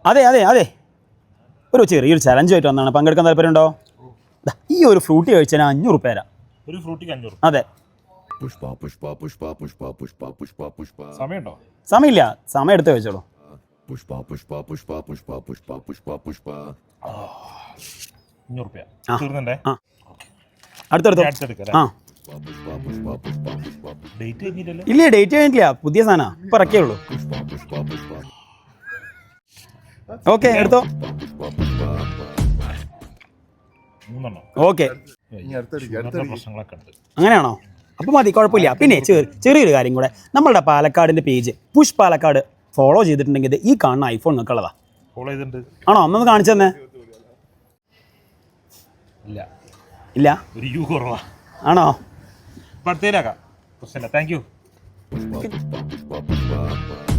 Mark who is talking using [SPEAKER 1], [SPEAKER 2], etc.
[SPEAKER 1] അതെ അതെ അതെ ഒരു ചെറിയൊരു ചലഞ്ചുമായിട്ട് വന്നതാണ്. പങ്കെടുക്കാൻ താല്പര്യമുണ്ടോ? ഈ ഒരു ഫ്രൂട്ടി കഴിച്ചാൽ 500 രൂപ തരാം.
[SPEAKER 2] ഒരു ഫ്രൂട്ടിക്ക് 500.
[SPEAKER 1] അതെ.
[SPEAKER 3] പുഷ്പ പുഷ്പ പുഷ്പ പുഷ്പ പുഷ്പ പുഷ്പ പുഷ്പ.
[SPEAKER 2] സമയമുണ്ടോ?
[SPEAKER 1] സമയമില്ല, സമയം എടുത്ത് കഴിച്ചോളൂ.
[SPEAKER 3] പുഷ്പ പുഷ്പ പുഷ്പ പുഷ്പ പുഷ്പ പുഷ്പ പുഷ്പ.
[SPEAKER 2] 500 രൂപ തീർന്നണ്ടേ?
[SPEAKER 1] അടുത്തെടുത്തോ. ആ
[SPEAKER 3] പുഷ്പ പുഷ്പ പുഷ്പ പുഷ്പ.
[SPEAKER 2] ഡേറ്റ് കഴിഞ്ഞില്ലല്ലോ?
[SPEAKER 1] ഇല്ല, ഡേറ്റ് കഴിഞ്ഞിട്ടില്ല, പുതിയ സാധനം ഇപ്പം ഇറക്കിയേ ഉള്ളൂ.
[SPEAKER 3] പുഷ്പ പുഷ്പ പുഷ്പ.
[SPEAKER 1] ഓക്കെ എടുത്തോ.
[SPEAKER 2] മൂന്നെണ്ണം.
[SPEAKER 1] ഓക്കെ
[SPEAKER 2] പ്രശ്നങ്ങളൊക്കെ ഉണ്ട്.
[SPEAKER 1] അങ്ങനെയാണോ? അപ്പം മതി, കുഴപ്പമില്ല. പിന്നെ ചെറിയൊരു കാര്യം കൂടെ, നമ്മളുടെ പാലക്കാടിൻ്റെ പേജ് പുഷ് പാലക്കാട് ഫോളോ ചെയ്തിട്ടുണ്ടെങ്കിൽ ഈ കാണുന്ന ഐഫോൺ നിൽക്കുള്ളതാ.
[SPEAKER 2] ഫോളോ ചെയ്തിട്ടുണ്ട്.
[SPEAKER 1] ആണോ? ഒന്നൊന്ന് കാണിച്ചു തന്നെ.
[SPEAKER 2] ഇല്ല
[SPEAKER 1] ഇല്ല,
[SPEAKER 2] ഒരു യു കുറവാ.
[SPEAKER 1] ആണോ?
[SPEAKER 2] അടുത്തേലാക്കാം. പ്രശ്നമില്ല. Thank you.
[SPEAKER 3] പുഷ്പ പുഷ്പ പുഷ്പ പുഷ്പ.